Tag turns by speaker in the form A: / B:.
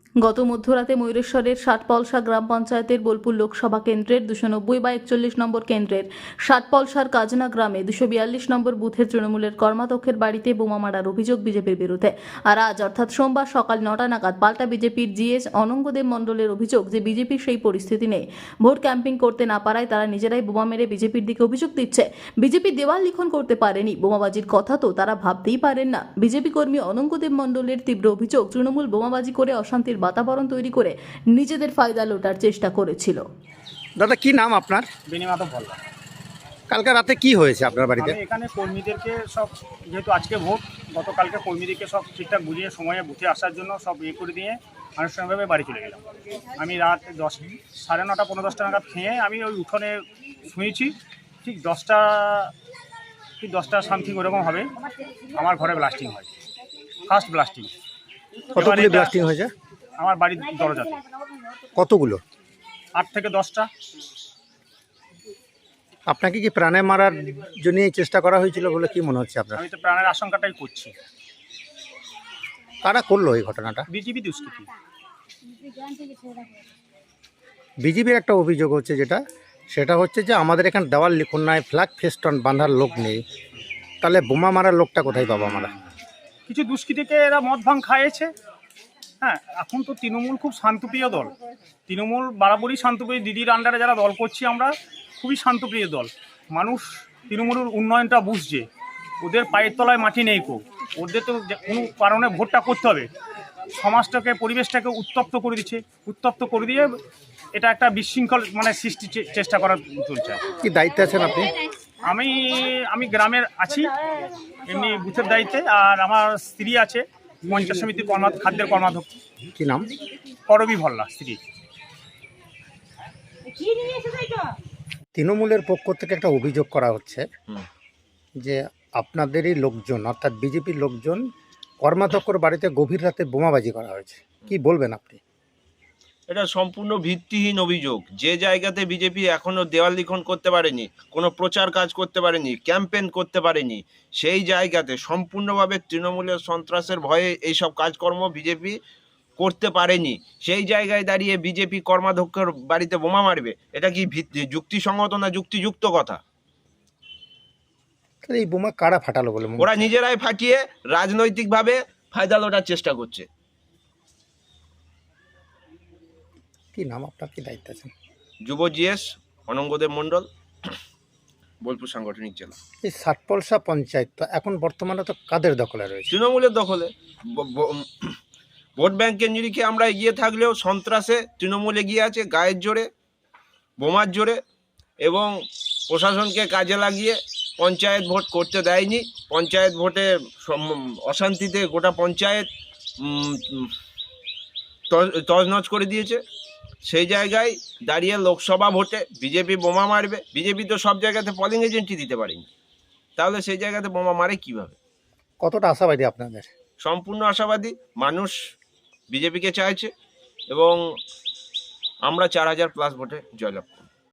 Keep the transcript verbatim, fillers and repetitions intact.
A: গত মধ্যরাতে ময়ূরেশ্বরের ষাটপলসা গ্রাম পঞ্চায়েতের বোলপুর লোকসভা কেন্দ্রের দুশো নব্বই বা একচল্লিশ নম্বর কেন্দ্রের ষাটপলসার কাজনা গ্রামে দুশো বিয়াল্লিশ নম্বর বুথের তৃণমূলের কর্মাধ্যক্ষের বাড়িতে বোমা মারার অভিযোগ বিজেপির বিরুদ্ধে। আর আজ অর্থাৎ সোমবার সকাল নটা নাগাদ পাল্টা বিজেপির জিএস অনঙ্গদেব মণ্ডলের অভিযোগ যে বিজেপির সেই পরিস্থিতি নেই, ভোট ক্যাম্পিং করতে না পারায় তারা নিজেরাই বোমা মেরে বিজেপির দিকে অভিযোগ দিচ্ছে। বিজেপি দেওয়াল লিখন করতে পারেনি, বোমাবাজির কথা তো তারা ভাবতেই পারেন না। বিজেপি কর্মী অনঙ্গদেব মণ্ডলের তীব্র অভিযোগ, তৃণমূল বোমাবাজি করে অশান্তির বাতাবরণ তৈরি করে নিজেদের ফায়দা লোটার চেষ্টা করেছিল।
B: দাদা কি নাম আপনার?
C: বিনিমাত বললা।
B: কালকে রাতে কি হয়েছে আপনার বাড়িতে?
C: আমি এখানে কর্মীদেরকে সব, যেহেতু আজকে ভোট, গতকালকে কর্মীদেরকে সব ঠিকঠাক বুঝিয়ে সময়ে বুথে আসার জন্য সব ইয়ে করে দিয়ে আনুষ্ঠানিকভাবে বাড়ি চলে গেলাম। আমি রাত দশ সাড়ে নটা পনেরো দশটা নাগাদ খেয়ে আমি ওই উঠোনে শুয়েছি। ঠিক দশটা ঠিক দশটা সামথিং ওরকম হবে, আমার ঘরে ব্লাস্টিং হয়, ফার্স্ট ব্লাস্টিং।
B: কতগুলো ব্লাস্টিং হয়েছে?
C: আমার বাড়ির দরজাতে
B: কতগুলো?
C: আট থেকে দশটা।
B: আপনাকে কি প্রাণে মারার জন্য চেষ্টা করা হয়েছিল বলে কি মনে হচ্ছে আপনার?
C: আমি তো প্রাণের আশঙ্কাটাই করছি।
B: কারা করলো এই ঘটনাটা?
C: বিজেপি দুষ্কৃতী।
B: বিজেপির একটা অভিযোগ হচ্ছে, যেটা সেটা হচ্ছে যে আমাদের এখানে দেওয়াল লিখন নাই, ফ্ল্যাগ ফেস্টন বাঁধার লোক নেই, তাহলে বোমা মারার লোকটা কোথায় পাবো আমরা?
C: কিছু দুষ্কৃতীকে এরা মদ ভাঙ খাইয়েছে। হ্যাঁ, এখন তো তৃণমূল খুব শান্তপ্রিয় দল। তৃণমূল বরাবরই শান্তপ্রিয়। দিদির আন্ডারে যারা দল করছি আমরা, খুবই শান্তপ্রিয় দল। মানুষ তৃণমূলের উন্নয়নটা বুঝছে, ওদের পায়ের তলায় মাটি নেই কো। ওদের তো কোনো কারণে ভোটটা করতে হবে, সমাজটাকে পরিবেশটাকে উত্তপ্ত করে দিচ্ছে। উত্তপ্ত করে দিয়ে এটা একটা বিশৃঙ্খল মানে সৃষ্টি চেষ্টা করার চলছে।
B: কি দায়িত্বে আছেন আপনি?
C: আমি আমি গ্রামের আছি এমনি বুথের দায়িত্বে, আর আমার স্ত্রী আছে পঞ্চায়েত সমিতির কর্মা খাদ্যের কর্মাধ্যক্ষ।
B: কি নাম?
C: করবি ভল্লা স্ত্রী।
B: তৃণমূলের পক্ষ থেকে একটা অভিযোগ করা হচ্ছে যে আপনাদেরই লোকজন, অর্থাৎ বিজেপির লোকজন কর্মাধ্যক্ষর বাড়িতে গভীর রাতে বোমাবাজি করা হয়েছে, কি বলবেন আপনি?
D: এটা সম্পূর্ণ ভিত্তিহীন অভিযোগ। যে জায়গাতে বিজেপি এখনও দেওয়াল লিখন করতে পারেনি, কোনো প্রচার কাজ করতে পারেনি, ক্যাম্পেন করতে পারেনি, সেই জায়গাতে সম্পূর্ণভাবে তৃণমূলের সন্ত্রাসের ভয়ে এইসব কাজকর্ম বিজেপি করতে পারেনি। সেই জায়গায় দাঁড়িয়ে বিজেপি কর্মাধ্যক্ষের বাড়িতে বোমা মারবে, এটা কি ভিত্তি যুক্তিসঙ্গত না যুক্তিযুক্ত কথা?
B: এই বোমা কারা ফাটালো বলে?
D: ওরা নিজেরাই ফাটিয়ে রাজনৈতিকভাবে ফায়দা লোটার চেষ্টা করছে।
B: কি নাম আপনার, কি দায়িত্ব আছেন?
D: যুব জিএস অনঙ্গদেব মণ্ডল, বোলপুর সাংগঠনিক জেলা।
B: এই ষাটপলসা পঞ্চায়েত তো এখন বর্তমানে তো কাদের দখলে রয়েছে?
D: তৃণমূলের দখলে। ভোট ব্যাংকের নিরিখে আমরা এগিয়ে থাকলেও সন্ত্রাসে তৃণমূল এগিয়ে আছে, গায়ের জোরে, বোমার জোরে, এবং প্রশাসনকে কাজে লাগিয়ে পঞ্চায়েত ভোট করতে দেয়নি। পঞ্চায়েত ভোটে অশান্তিতে গোটা পঞ্চায়েত তছনছ করে দিয়েছে। সেই জায়গায় দাঁড়িয়ে লোকসভা ভোটে বিজেপি বোমা মারবে। বিজেপি তো সব জায়গাতে পলিং এজেন্টই দিতে পারেনি, তাহলে সেই জায়গাতে বোমা মারে কিভাবে?
B: কতটা আশাবাদী আপনাদের?
D: সম্পূর্ণ আশাবাদী। মানুষ বিজেপিকে চাইছে এবং আমরা চার হাজার প্লাস ভোটে জয়লাভ।